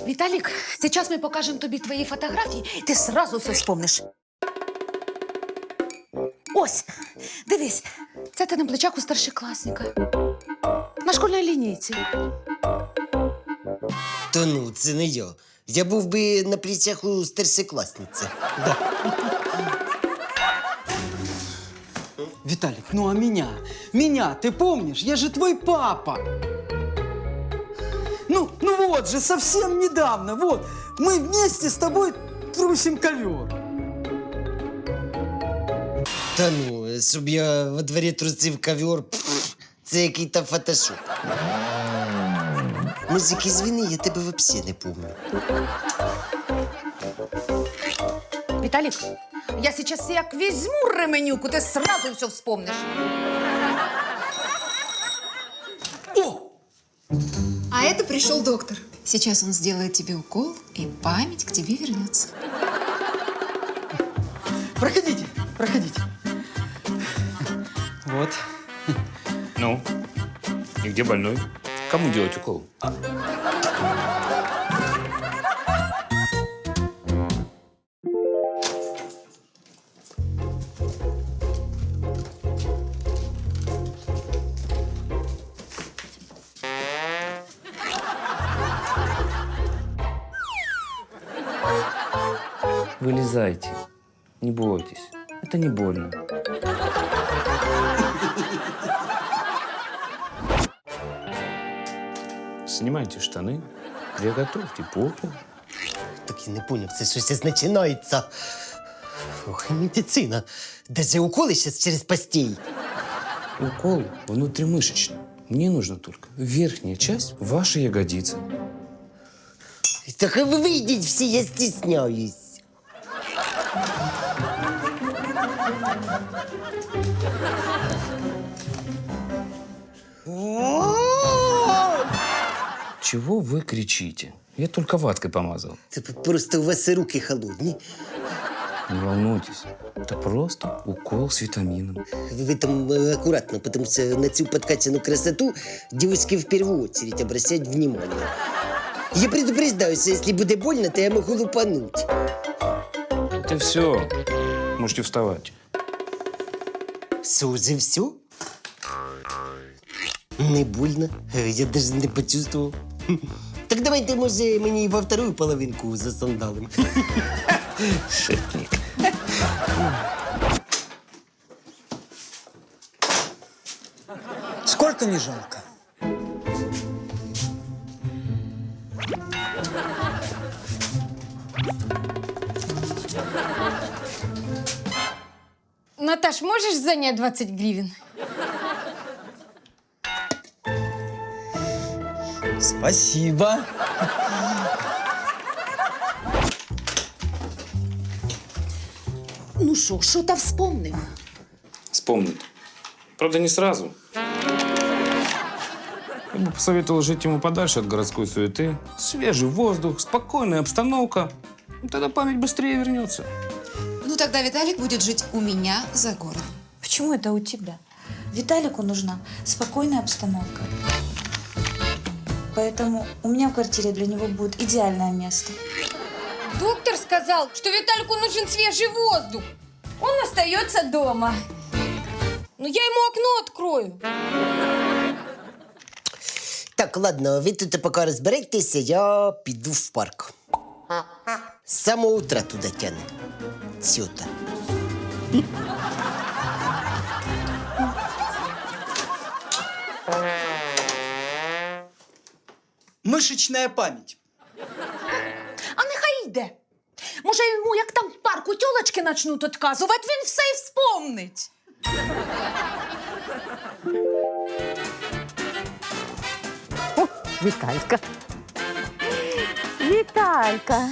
Виталик, сейчас мы покажем тобі твої фотографії, і ти сразу все вспомниш. Ось, дивись, це ти на плечах у старшокласника. На школьній лінійці. Та ну, це не я. Я був би на плечах у старшокласниці. Да. Виталик, ну а меня? Меня, ты помнишь? Я же твой папа. Ну вот же, совсем недавно, вот. Мы вместе с тобой трусим ковер. Та ну, щоб я во дворі трусив ковер, це який-то фотошоп. Мужик, извини, я тебе взагалі не пам'ятаю. Виталик, я сейчас як візьму ременюку, ти сразу все вспомниш. О! А это пришел доктор. Сейчас он сделает тебе укол, и память к тебе вернется. Проходите, проходите. Вот. Ну, и где больной? Кому делать укол? Вылезайте. Не бойтесь. Это не больно. Снимайте штаны, приготовьте попу. Так я не поняв, це щось починається. Ох, і медицина. Даже уколи зараз через постій. Укол внутримышечный. Мне нужно только верхняя часть вашей ягодицы. Так ви вийдіть всі, я стісняюсь. Чего вы кричите? Я только ваткой помазал. Це просто у вас руки холодні. Не волнуйтесь. Это просто укол с витамином. Ви там акуратно, тому що на цю подкачану красоту девушки в первую очередь обращають внимание. Я предупреждаю, що якщо буде больно, то я можу лупануть. Это все. Можете вставать. Все, уже все? Не больно. Я даже не почувствовал. Так давайте, може, мені во вторую половинку засандалим. Шетник. Сколько не жалко? Наташ, можешь занять 20 гривен? Спасибо. Ну що та вспомнив? Вспомнит. Правда, не сразу. Я бы посоветовал жить ему подальше от городской суеты. Свежий воздух, спокойная обстановка. Тогда память быстрее вернется. Ну, тогда Виталик будет жить у меня за городом. Почему это у тебя? Виталику нужна спокойная обстановка. Поэтому у меня в квартире для него будет идеальное место. Доктор сказал, что Виталику нужен свежий воздух. Он остается дома. Но я ему окно открою. Так, ладно, ви тут поки розберетеся, я піду в парк. З самого утра туди тягне. Сюди. Мышечная память. А нехай йде. Може, йому, як там в парку тьолочки почнуть відказувати, він все й вспомнить. Виталька. Виталька.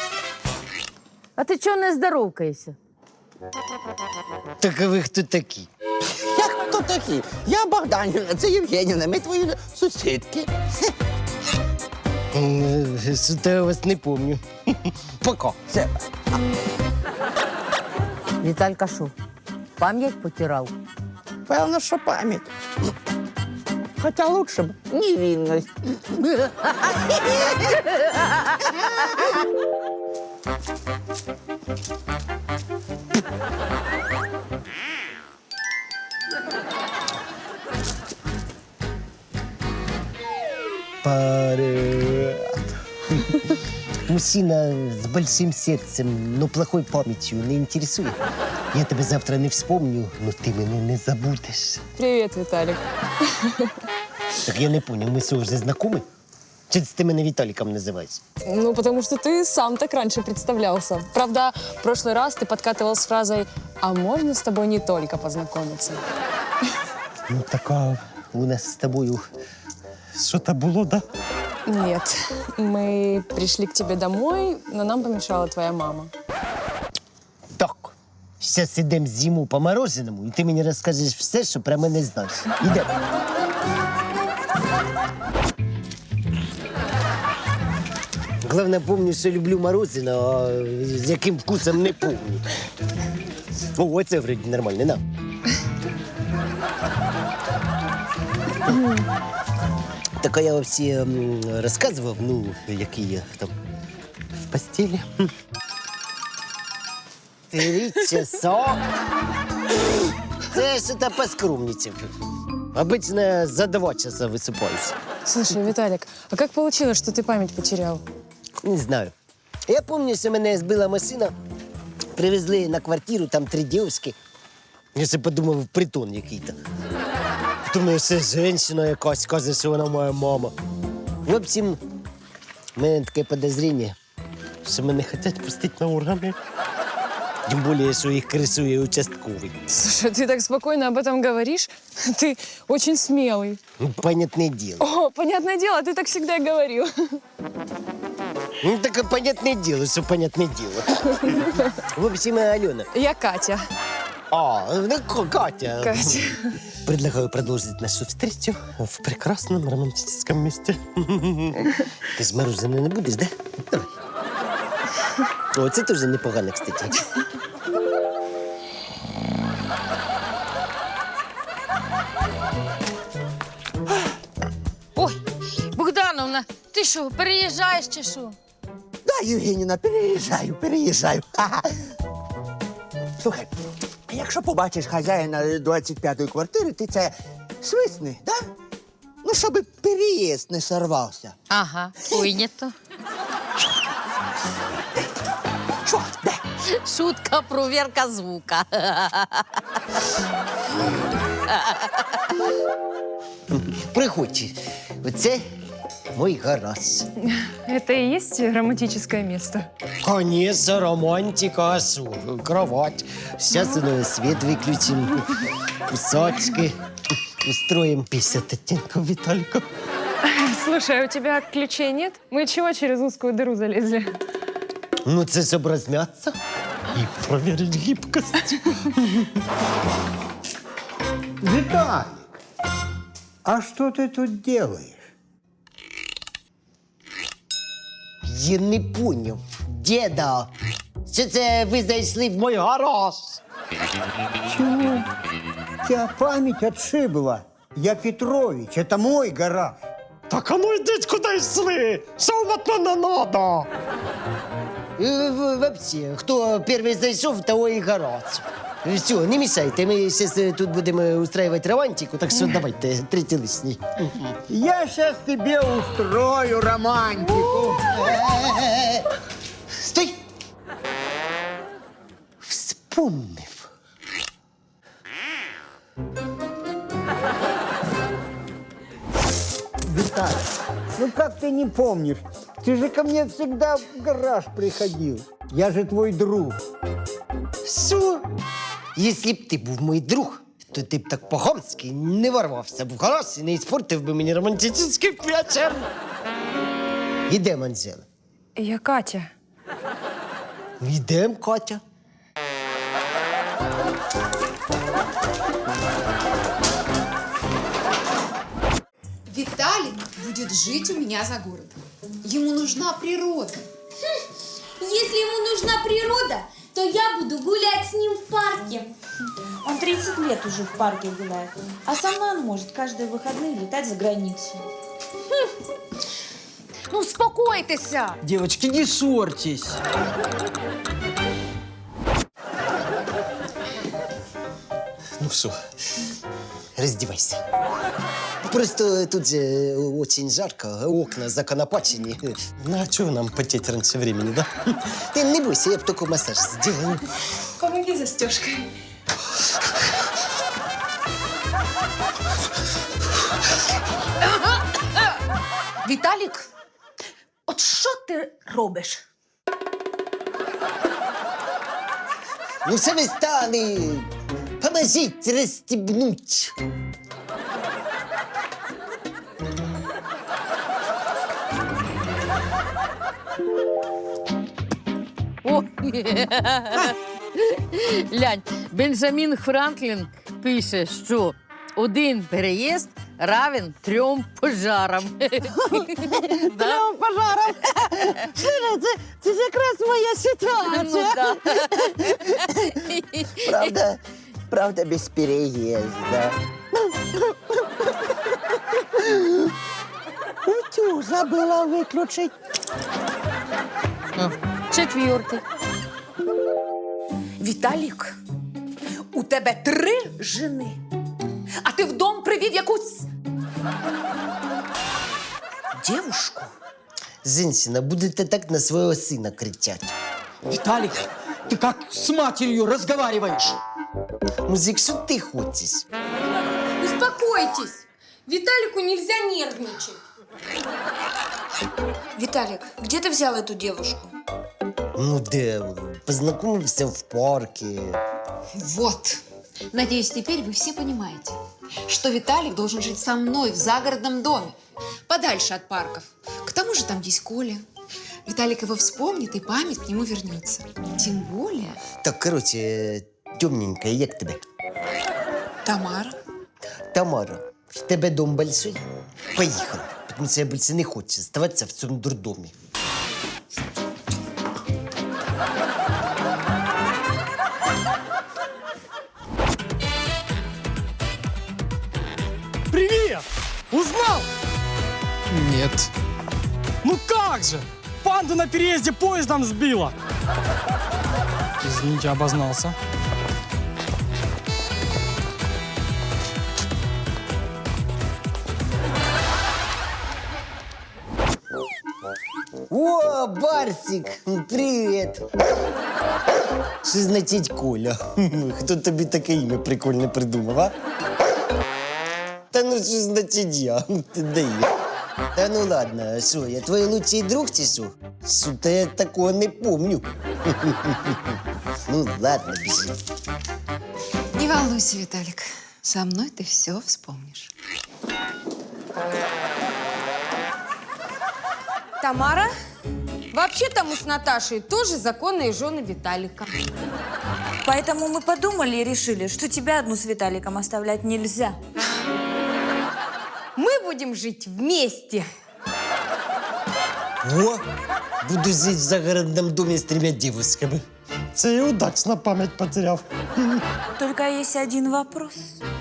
А ти чого не здоровкаєшся? Так а ви хто такі? Я хто такий? Я Богданівна, це Євгенівна, ми твої сусідки. Що-то я вас не помню. Пока. Все. Віталька що, пам'ять потирав? Певно, що пам'ять. Хотя лучше бы невинность. Привет. Мужчина с большим сердцем, но плохой памятью не интересует. Я тебе завтра не вспомню, но ты меня не забудешь. Привет, Виталик. Так я не понял, мы что, уже знакомы? Что ты меня Виталиком называешь? Ну, потому что ты сам так раньше представлялся. Правда, в прошлый раз ты подкатывал с фразой «А можно с тобой не только познакомиться?» Ну, така у нас с тобою что-то было, да? Нет. Мы пришли к тебе домой, но нам помешала твоя мама. Так, сейчас ідемо з'їмо по мороженому, і ти мені розкажеш все, що про мене знаєш. Ідемо. Главное, помню, що люблю мороженое, а з яким вкусом не помню. О, оце вроді нормально, на. Так а я вообще розказував, ну, який я там в постелі. 3 часа? Це я що-то поскромничав. Обычно за 2 часа высыпаюсь. Слушай, Виталик, а как получилось, что ты память потерял? Не знаю. Я помню, що мене збила машина, привезли на квартиру, там 3 дівчинки. Я ще подумав, притон який-то. Думаю, це жінка якась, каже, що вона моя мама. В общем, в мене таке підозріння, що мене хочуть пустити на органи. Тим більше, що їх кресує участковий. Слушай, ты так спокойно об этом говоришь. Ты очень смелый. Ну, понятне діло. О, понятное дело, ты так всегда говорил. Ну, таке понятне діло, що понятне діло. В общем, Альона. Я Катя. Ну, Катя. Катя. Предлагаю продолжить нашу встречу в прекрасном романтическом месте. Ты ж мороженое не будешь, да? Давай. О, це теж непогано, кстати. Ой, Богдановна, ти що, переїжджаєш чи що? Да, Євгенівна, переїжджаю. Ха-ха. Слухай, а якщо побачиш хазяїна 25-ї квартири, ти це свисни, да? Ну, щоб переїзд не сорвався. Ага, прийнято. Чого? Де? Шутка, провірка звука. Приходь. Оце мой гараж. Это и есть романтическое место? Конечно, романтика, а шо? Кровать. Сейчас свет выключим. Кусачки. Устроим 50 оттенков Виталька. Слушай, а у тебя ключей нет? Мы чего через узкую дыру залезли? Ну, це щоб розм'ятися і проверить гибкость. Виталик, а что ты тут делаешь? Я не поняв. Діда, що це ви зайшли в мой гараж? Чего? Тебя память отшибла. Я Петрович, это мой гараж. Так а ну йдіть куди йшли. Що вам от мене надо? Вообще, хто перший зайшов, того і гараж. Все, не мешайте, ми зараз тут будемо устраивать романтику, так що давайте, третій лишній. Я сейчас тебе устрою романтику. Стой! Вспомнив. Виталик, ну как ты не помнишь? Ты же ко мне всегда в гараж приходил. Я же твой друг. Що? Якщо б ти був мій друг, то ти б так по-хамськи не ворвався б в гараж і не іспортив би мені романтичний вечір. Ідемо, Анжела. Я Катя. Йдемо, Катя. Виталик будет жить у меня за городом. Ему нужна природа. Если ему нужна природа, то я буду гулять с ним в парке. Он 30 лет уже в парке гуляет. А со мной он может каждые выходные летать за границу. Ну, успокойтеся. Девочки, не ссорьтесь. Ну все, раздевайся. Просто тут же очень жарко, окна законопачені. Ну, а чого нам потеть раньше времени, да? Ты не бойся, я б только массаж сделаю. Помоги застежкой. Віталік, от що ти робиш? Ну, все вы стали. Поможите расстегнуть. О! Глянь, Бенджамін Франклін пише, що один переїзд равен 3 пожарам. Трьом пожарам. Слухай, це ж якраз моя ситуація. Правда, без переезда. Утюг забыла выключить. Четвертий. Віталік, у тебе 3 жени, а ти в дом привів якусь дівушку. Женщина, будете так на своего сына кричать. Виталик, ты как с матерью разговариваешь? Музик, что ты хочешь? Успокойтесь. Виталику нельзя нервничать. Виталик, где ты взял эту девушку? Ну, да, познакомился в парке. Вот. Надеюсь, теперь вы все понимаете, что Виталик должен жить со мной в загородном доме, подальше от парков. К тому же там есть Коля. Виталик его вспомнит, и память к нему вернется. Тем более Так, короче, темненькая, як тебе? Тамара. Тамара, в тебе дом большой? Поехали, потому что я больше не хочу оставаться в цьому дурдомі. Привет! Узнал? Нет. Ну как же? Панду на переезде поездом сбила. Извините, обознался. О, Барсик, привіт! Що значить Коля? Хто тобі таке ім'я прикольне придумав, а? Та ну що значить я? Ти даєш. Та ну ладно, що, я твій лучший друг чи що? Що-то я такого не помню. Ну ладно, біжи. Не волнуйся, Виталик. Со мной ты все вспомнишь. Тамара, вообще-то мы с Наташей тоже законные жены Виталика. Поэтому мы подумали и решили, что тебя одну с Виталиком оставлять нельзя. Мы будем жить вместе. О, буду жить в загородном доме с 3 девушками. Це я удачно память потеряв. Только есть один вопрос.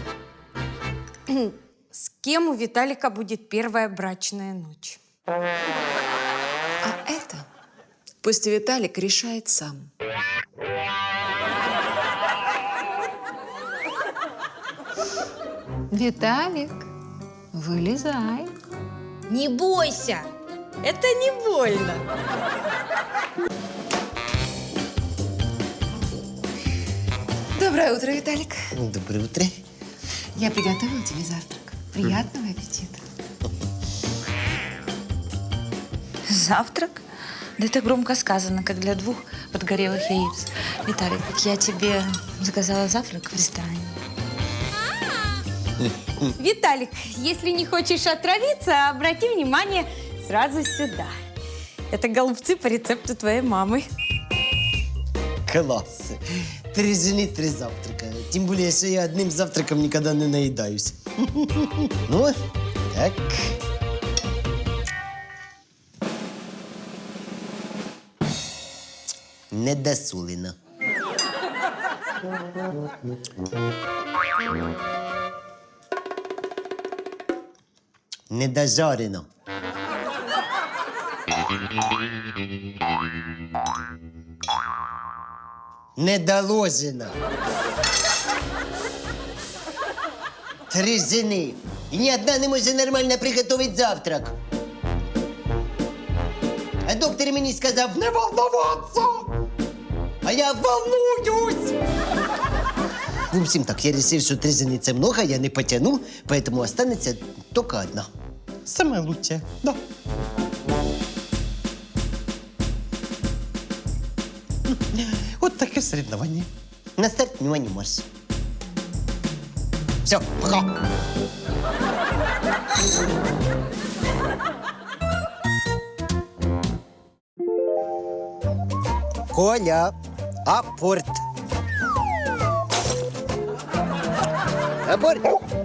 С кем у Виталика будет первая брачная ночь? А это пусть Виталик решает сам. Виталик, вылезай. Не бойся, это не больно. Доброе утро, Виталик. Доброе утро. Я приготовила тебе завтрак. Приятного аппетита. Завтрак? Да это громко сказано, как для 2 подгорелых яиц. Виталик, я тебе заказала завтрак в ресторане. Виталик, если не хочешь отравиться, обрати внимание сразу сюда. Это голубцы по рецепту твоей мамы. Класс. 3 жены, 3 завтрака. Тем более, что я одним завтраком никогда не наедаюсь. Ну, так. Недосолено. Недожарено. Недоложено. Три жени. І ні одна не може нормально приготувати завтрак. А доктор мені сказав не волноватися. А я волнуюсь. В общем так, я решил, что три жени це много, я не потяну, поэтому останется только одна. Самая лучшая, да. Вот такое соревнование. На старт внимание, марш. Все, пока. Коля, апорт. Апорт.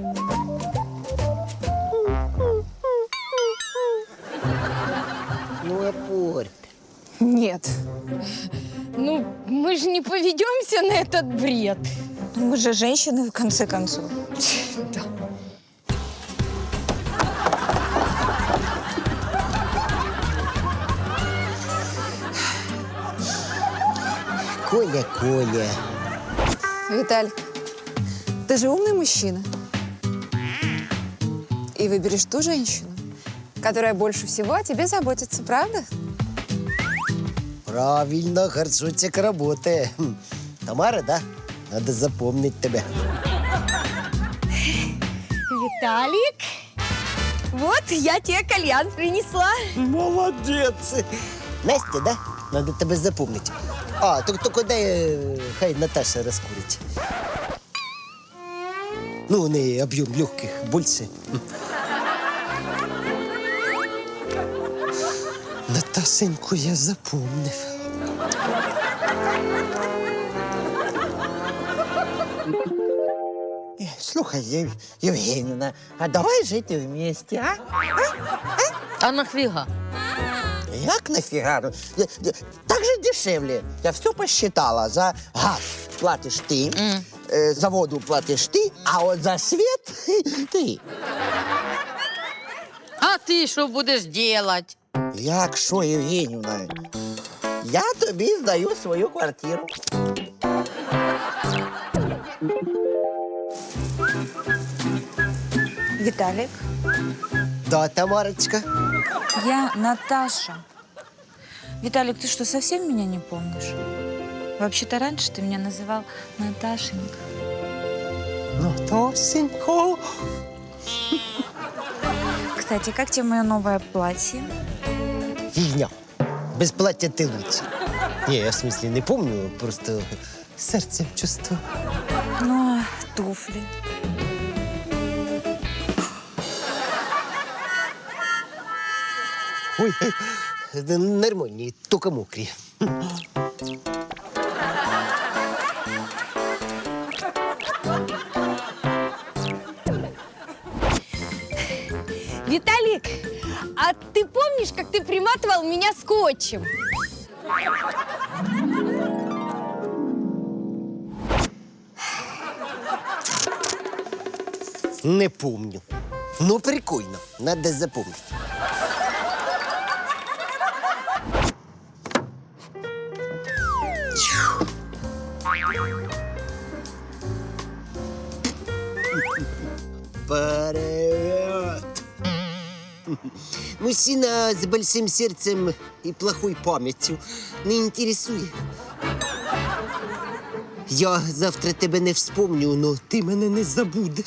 Ну, апорт. Нет. Ну, мы же не поведемся на этот бред. Мы же женщины, в конце концов. Да. Коля, Коля. Виталик, ты же умный мужчина. И выберешь ту женщину, которая больше всего о тебе заботится, правда? Правильно, горшочек работает. Тамара, да? Надо запомнить тебя. Виталик, вот я тебе кальян принесла. Молодец. Настя, да? Надо тебя запомнить. А, только дай, хай Наташа раскурить. Ну, у нее объем легких больше. Наташеньку я запомнив. Слухай, Євгенівна, а давай жити вместе, а? А нафіга? Як нафіга? Так же дешевле. Я все посчитала. За газ платиш ти, за воду платиш ти, а от за світ ти. А ти що будеш робити? Як що, Євгенівна? Я тобі здаю свою квартиру. Виталик, Да, Тамарочка. я Наташа. Виталик, ты что, совсем меня не помнишь? Вообще-то раньше ты меня называл Наташенька. Наташенька. Кстати, как тебе мое новое платье? Фигня. Без платья ты лучше. Не, я в смысле не помню, просто сердцем чувствую. Ну, а туфли? Ой, нормальные, только мокрые. Виталик, а ты помнишь, как ты приматывал меня скотчем? Не помню. Ну, прикольно. Надо запомнить. Привет! Мужчина с большим сердцем и плохой памятью не интересує. Я завтра тебе не вспомню, но ти мене не забудеш.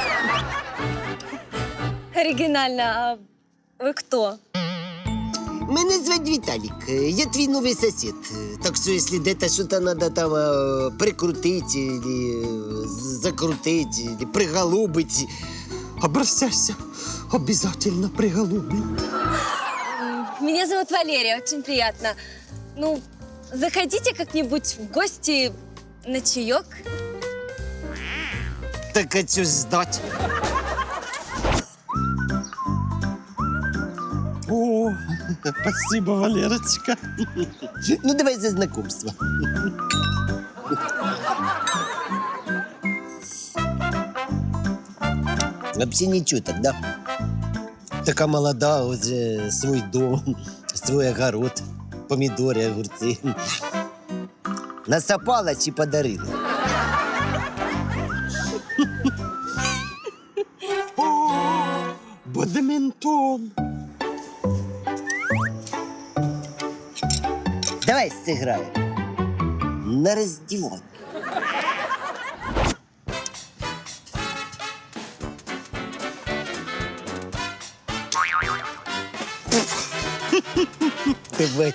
Оригинально. А вы кто? Мене звать Віталік, я твій новий сосед. Так що, якщо де-то щось треба там прикрутити, или закрутити, или приголубити, обращайся, обязательно приголублю. Меня зовут Валерия, очень приятно. Ну, заходите как-нибудь в гости на чаек. Так а що ж ждать? О, спасибо, Валерочка. Ну, давай за знакомство. Вообще ничего тогда. Така молода, уже свой дом, свой огород, помидоры, огурцы. Насапалась и подарила. Бадмінтон. Давай сыграем. На раздевание. Давай.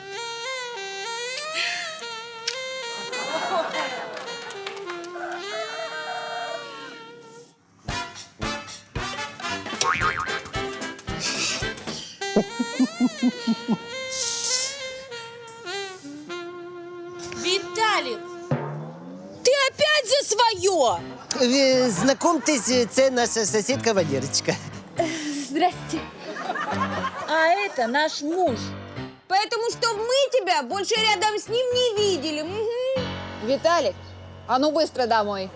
Виталик, ты опять за свое! Знакомьтесь, це наша соседка Валерочка. Здрасте. А это наш муж. Поэтому, что мы тебя больше рядом с ним не видели. Мгм. Виталик, а ну быстро домой.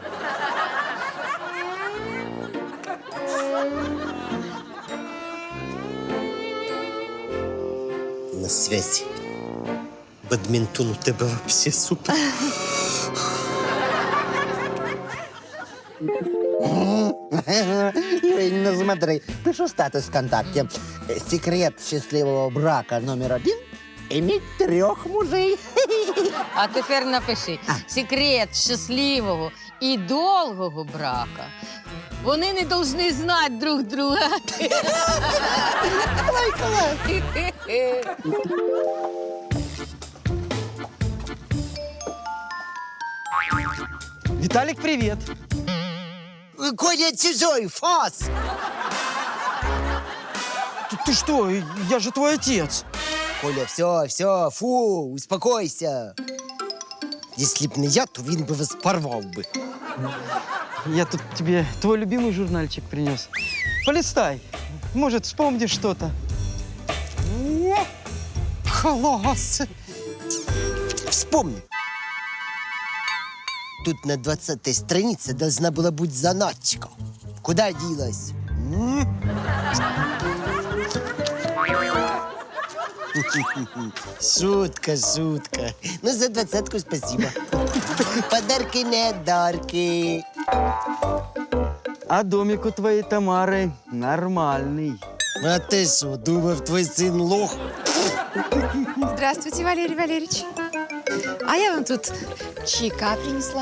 На связи. Бадминтон у тебе вообще супер. Ну смотри, пишу статус ВКонтакте. Секрет счастливого брака №1 – иметь 3 мужей. А тепер напиши секрет щасливого і довгого брака. Вони не повинні знати друг друга. Виталик, привет. Коля чужой, фас! Ты что, я же твой отец. Коля, все, фу, успокойся. Если б не я, то він би вас порвав би. Я тут тебе твой любимый журнальчик принес. Полистай. Может, вспомнишь что-то. О, класс! Вспомни. Тут на 20-й странице должна была быть заначка. Куда делась? Шутка. Ну, за 20-ку спасибо. Подарки не дарки. А домик у твоей Тамары нормальный. А ты что, думав, твой сын лох? Здравствуйте, Валерий Валерьевич. А я вам тут чайка принесла.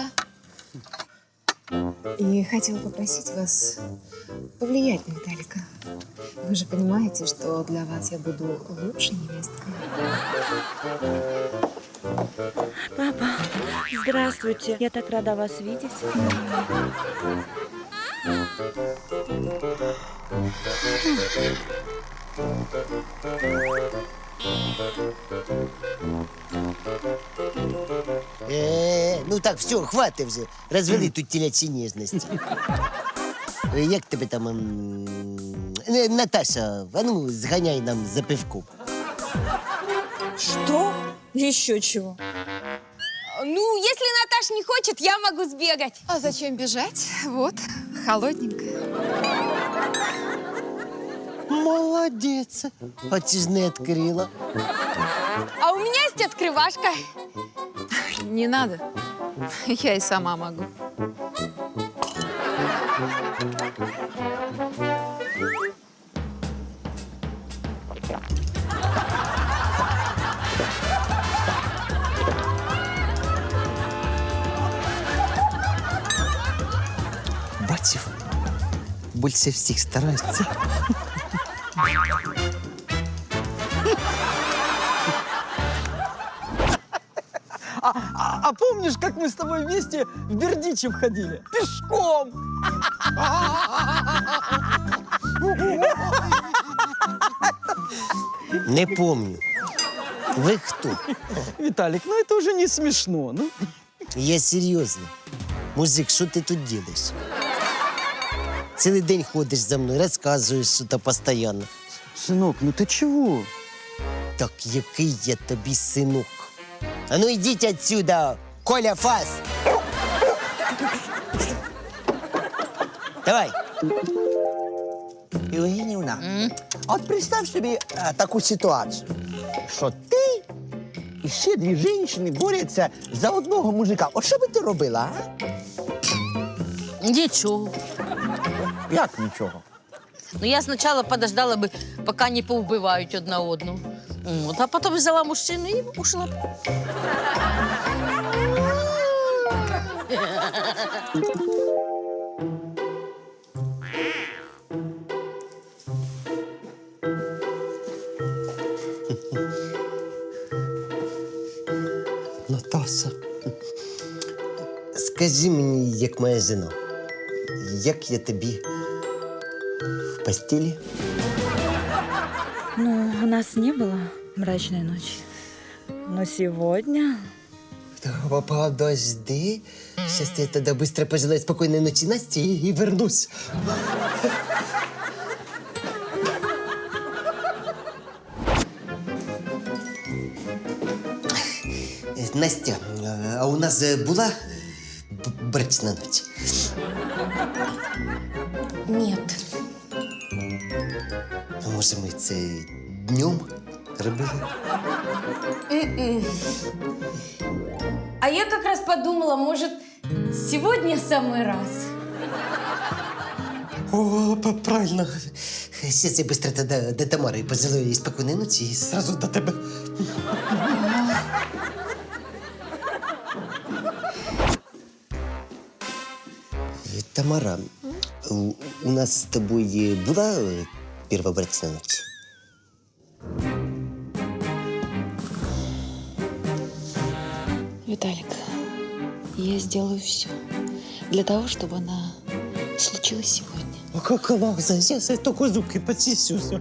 И хотела попросить вас повлиять на Виталика. Вы же понимаете, что для вас я буду лучшей невесткой. Папа, здравствуйте. Я так рада вас видеть. Ну так, все, хватит вже. Розвели тут телячі ніжності. Як тебе там... Наташа, а ну, зганяй нам за пивком. Что? Еще чего? Ну, если Наташа не хочет, я могу сбегать. А зачем бежать? Вот, холодненькая. Молодець. А чи ж не відкрила? А у меня есть открывашка. Не надо. Я и сама могу. Бачив, більше всіх стараються. А помнишь, как мы с тобой вместе в Бердичев ходили? Пешком! Не помню. Ви хто? Виталик, ну это уже не смешно. Ну. Я серйозно. Мужик, що ти тут робиш? Цілий день ходиш за мною, розказуєш що-то постійно. Сынок, ну ты чего? Так який я тобі синок? А ну йдіть отсюда, Коля Фас! Давай. Євгенівна, от представ собі таку ситуацію, що ти і ще дві жінки борються за одного мужика. От що би ти робила, а? Нічого. Як нічого? Ну, я спочатку подождала би, поки не повбивають одна одну. От, а потім взяла мужчину і ушла. Наташа, скажи мені, як моя жена, як я тобі в постелі? Ну, у нас не было мрачной ночи. Но сегодня... Подожди. Сейчас я тогда быстро пожелаю спокойной ночи Насте и вернусь. Настя, а у нас була брачна ніч? Нет. А може ми це днем робили? А я как раз подумала, может, сегодня самый раз. О, правильно. Сейчас я быстро тогда до Тамары пожелаю ей спокойной ночи и сразу до тебе. Тамара, у нас с тобой была первая брачная ночь? Виталик, я сделаю все для того, чтобы она случилась сегодня. А как она? Сейчас я только зубки почищу. Все.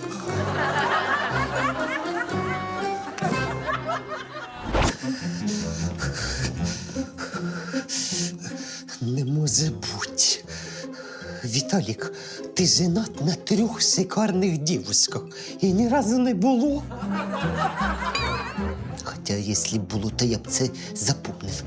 Не може бути. Віталік, ти женат на 3 шикарних дівчинках і ні разу не було. Хоча, якщо б було, то я б це запомнив.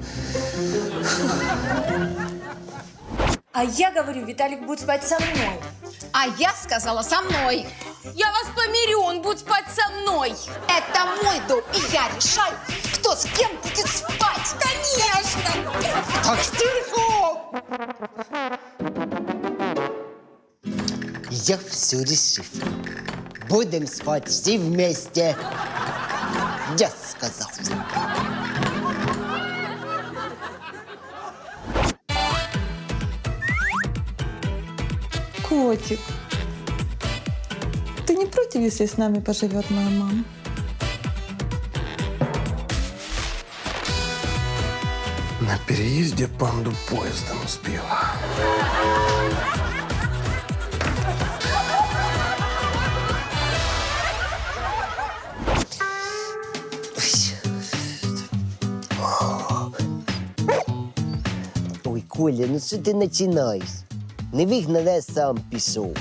А я говорю, Виталик будет спать со мной. А я сказала со мной. Я вас помирю, он будет спать со мной. Это мой дом, и я решаю, кто с кем будет спать. Конечно! Так тихо! Я все решил. Будем спать все вместе. Я сказал. Котик, ты не против, если с нами поживет моя мама? На переезде панду поездом сбила. Ой, Коля, ну що ти починаєш? Не вигнав, я сам пішов.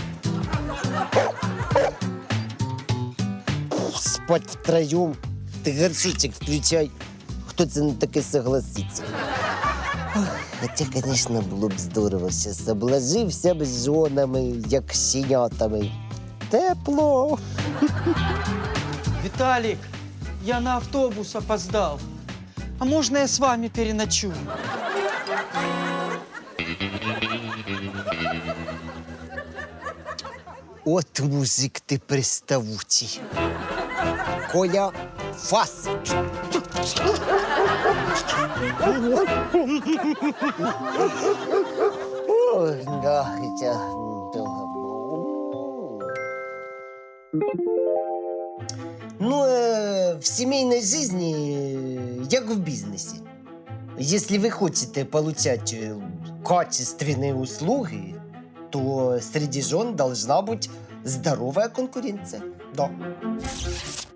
Спать втроєм. Ти горшочок включай. Хто це на таке согласиться? Хоча, звісно, було б здорово. Зараз обложився б з жонами, як щенятами. Тепло. Виталик, я на автобус опоздал. А можно я с вами переночую? От мужик ти приставучий. Коля, фас! Ой, да, хотя... Ну, в семейной жизни, як в бизнесе. Если вы хотите получать качественные услуги, то среди жен должна быть здоровая конкуренция. Да.